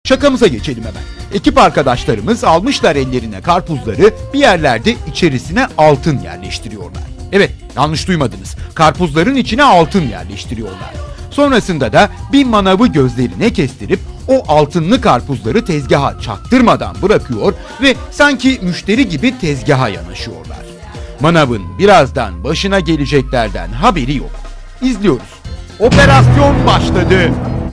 Şakamıza geçelim hemen. Ekip arkadaşlarımız almışlar ellerine karpuzları, bir yerlerde içerisine altın yerleştiriyorlar. Evet, yanlış duymadınız. Karpuzların içine altın yerleştiriyorlar. Sonrasında da bir manavı gözlerine kestirip o altınlı karpuzları tezgaha çaktırmadan bırakıyor ve sanki müşteri gibi tezgaha yanaşıyorlar. Manavın birazdan başına geleceklerden haberi yok. İzliyoruz. Operasyon başladı.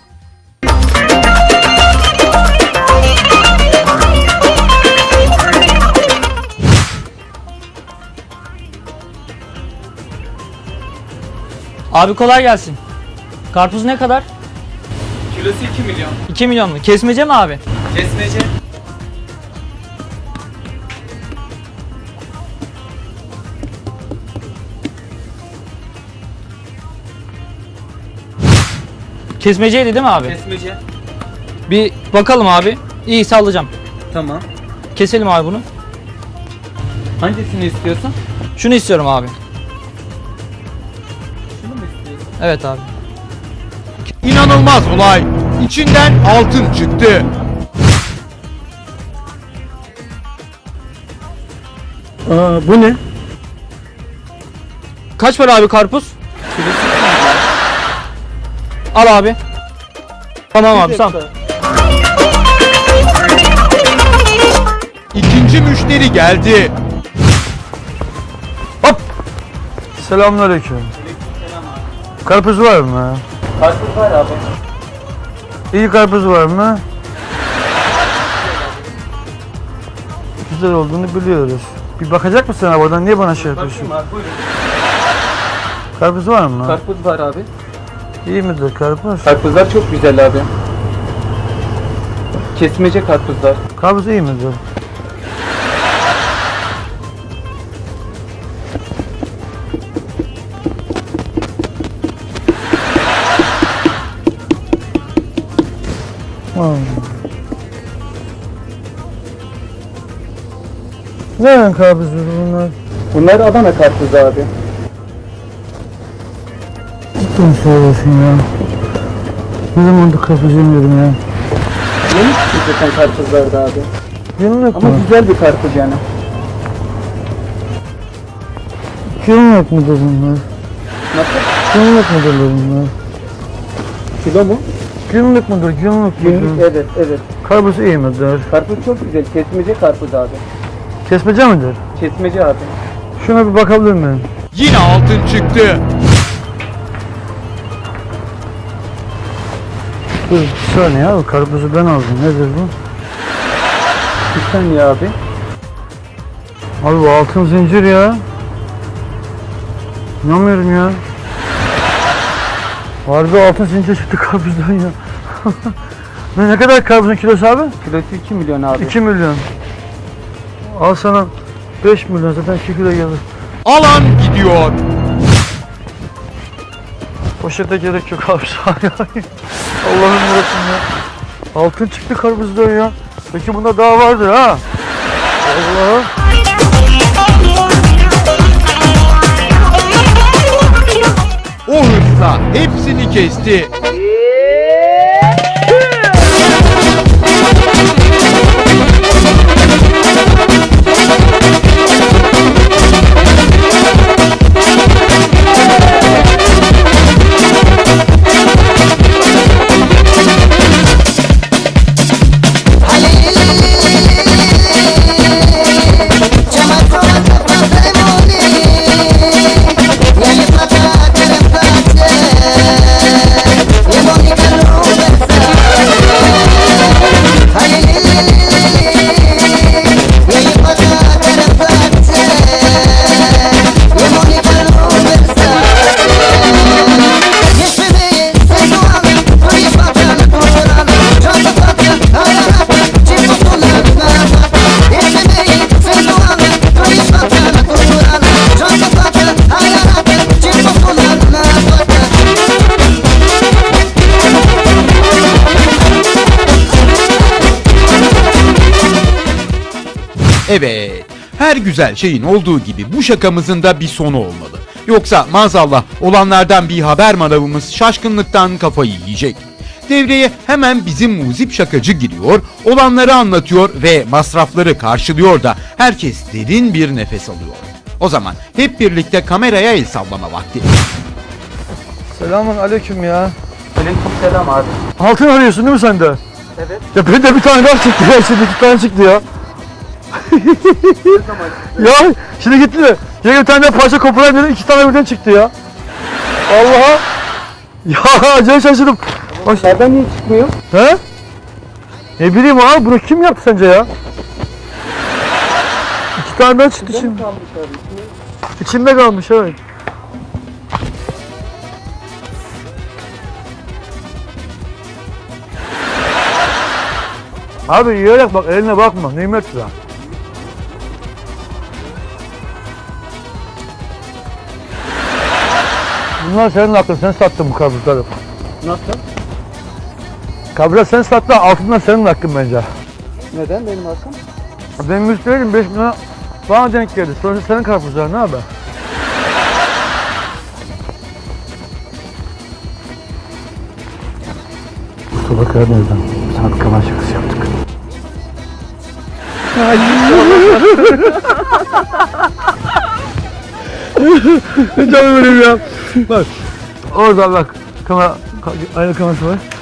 Abi kolay gelsin. Karpuz ne kadar? Kilosu 2 milyon. 2 milyon mu? Kesmece mi abi? Kesmece. Kesmeceydi değil mi abi? Kesmece. Bir bakalım abi. İyi sallayacağım. Tamam. Keselim abi bunu. Hangisini istiyorsun? Şunu istiyorum abi. Şunu mu istiyorsun? Evet abi. İnanılmaz olay. İçinden altın çıktı. Bu ne? Kaç para abi karpuz? Kilosu 2 milyon. Al abi. Tamam abi sağ ol. İkinci müşteri geldi. Hop! Selamünaleyküm. Selam abi. Karpuz var mı? Karpuz var abi. İyi karpuz var mı? Güzel olduğunu biliyoruz. Bir bakacak mısın abi oradan? Niye bana şey yapıyorsun? Bakayım abi buyurun. Karpuz var mı? Karpuz var abi. İyi midir karpuz? Karpuzlar çok güzel abi. Kesmece karpuzlar. Karpuz iyi midir? Nereden karpuz bunlar? Bunlar Adana karpuzu abi. Cidden söylüyorsun ya. Ne zamandır karpuz yemiyorum ya. Yeni çıkan karpuzlarda abi. Günlük Ama mü? güzel bir karpuz yani. Günlük müdür bunlar? Nasıl? Günlük müdür bunlar? Kilo mu? Günlük müdür? Günlük müdür? Günlük evet evet. Karpuz iyi midir? Karpuz çok güzel. Kesmece karpuz abi. Kesmece midir? Kesmece abi. Şuna bir bakabilir miyim? Yine altın çıktı. Dur bir saniye abi, karpuzu ben aldım. Nedir bu? Bir saniye abi. Abi bu altın zincir ya. İnanmıyorum ya. Harbi altın zincir çıktı karpuzdan ya. Ne kadar karpuzun kilosu abi? Kilosu 2 milyon abi. 2 milyon. Al sana 5 milyon, zaten 2 kilo gelir. Alan gidiyor. Poşete gerek yok abi. Allah'ım yarabbim ya. Altın çıktı karpuzdan ya. Peki bunda daha vardır ha. Allah. O hırsla hepsini kesti. Evet, her güzel şeyin olduğu gibi bu şakamızın da bir sonu olmalı. Yoksa maazallah olanlardan bir haber manavımız şaşkınlıktan kafayı yiyecek. Devreye hemen bizim muzip şakacı giriyor, olanları anlatıyor ve masrafları karşılıyor da herkes derin bir nefes alıyor. O zaman hep birlikte kameraya el sallama vakti. Selamun aleyküm ya. Aleykümselam abi. Altın arıyorsun değil mi sen de? Evet. Ya benim de bir tane daha çıktı ya. Şimdi 2 tane çıktı ya. Ne zaman çıktı? Ya şimdi gitti de. Yine bir tane daha parça koparayım dedim. 2 tane birden çıktı ya. Allah'a. Ya acayip şaşırdım. Bak, Nereden niye çıkmıyor? he? Ne bileyim abi, bunu kim yaptı sence ya? 2 tane daha çıktı Nereden şimdi. kalmış abi? İçine- İçinde kalmış, evet. Abi yiyerek bak, eline bakma, nimet ya. Bunlar senin hakkın, sen sattın bu karpuzları. Nasıl? Kabra sen sattın, altından senin hakkın bence. Neden benim hakkım? Ben müşteriyim, 5 lira bana denk geldi. Sonra senin karpuzlar ne haber? Mustafa Karadeniz'den sanat kalan şakası yaptık. Canım benim ya. Bak. Orada bak. Kamera, aynı kamerası var.